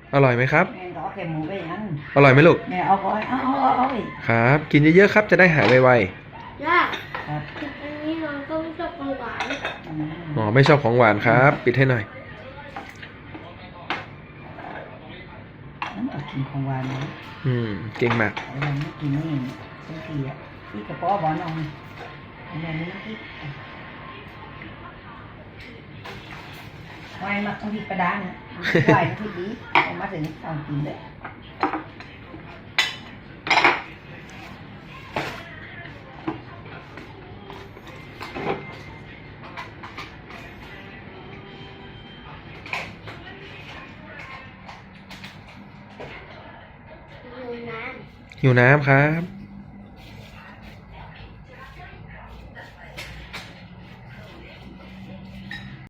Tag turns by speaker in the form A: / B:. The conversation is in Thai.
A: อร่อยไหมครับ
B: แม่ก็เอาแค่หมูไปอย่างนั้น
A: อร่อยไหมลูก
B: แม่เอาก่อนเอาอีก
A: ครับกินเยอะๆครับจะได้หายไว
C: ย่า
B: ครับ
C: อันนี้น้องก็ไม่ชอบของหวาน
A: ๆอ๋อไม่ชอบของหวานครับปิดให้หน่อย
B: น้ำตกกินของหวานนะ
A: เก่งมาก
B: เราไม่กินนี่บางทีอ่ะที่กระเพาะบอลเอาอันนี้ที่ไว้มาต้องที่ประดาเนี่ยไว้ที่ดีเอามาถึงต้องกินเลย
C: ดูน้ำ
A: หิวน้ำครับ